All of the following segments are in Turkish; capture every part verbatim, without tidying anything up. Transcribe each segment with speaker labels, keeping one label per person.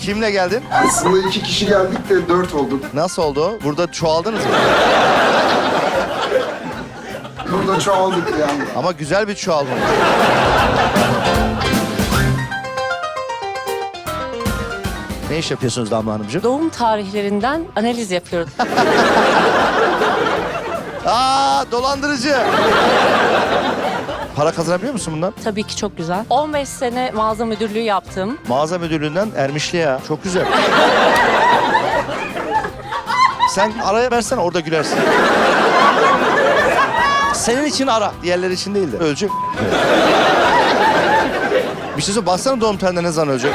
Speaker 1: Kimle geldin?
Speaker 2: Aslında iki kişi geldik de dört olduk.
Speaker 1: Nasıl oldu? Burada çoğaldınız mı?
Speaker 2: Burada çoğaldık yani.
Speaker 1: Ama güzel bir çoğalma. Ne iş yapıyorsunuz Damla Hanımcığım?
Speaker 3: Doğum tarihlerinden analiz yapıyoruz.
Speaker 1: Aa, dolandırıcı. Para kazanabiliyor musun bundan?
Speaker 3: Tabii ki çok güzel. on beş sene mağaza müdürlüğü yaptım.
Speaker 1: Mağaza müdürlüğünden Ermişli'ye. Çok güzel. Sen araya versene, orada gülersin. Senin için ara, diğerleri için değil de. Ölecek. Bir şey söyle, baksana doğum tarihinde ne zaman ölecek?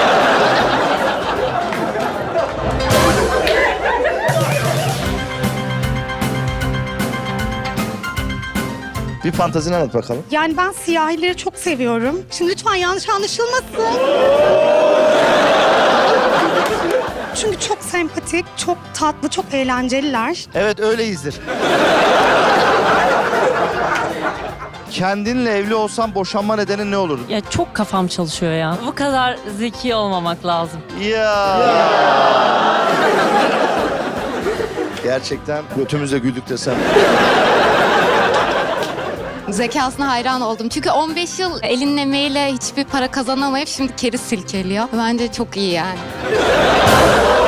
Speaker 1: Bir fantazini anlat bakalım.
Speaker 4: Yani ben siyahileri çok seviyorum. Şimdi lütfen yanlış anlaşılmasın. Çünkü çok sempatik, çok tatlı, çok eğlenceliler.
Speaker 1: Evet, öyleyizdir. Kendinle evli olsan boşanma nedeni ne olur?
Speaker 3: Ya çok kafam çalışıyor ya. Bu kadar zeki olmamak lazım.
Speaker 1: Ya. Gerçekten götümüzle güldük desem.
Speaker 5: Zekasına hayran oldum. Çünkü on beş yıl elinin emeğiyle hiçbir para kazanamayıp şimdi keri silkeliyor. Bence çok iyi yani.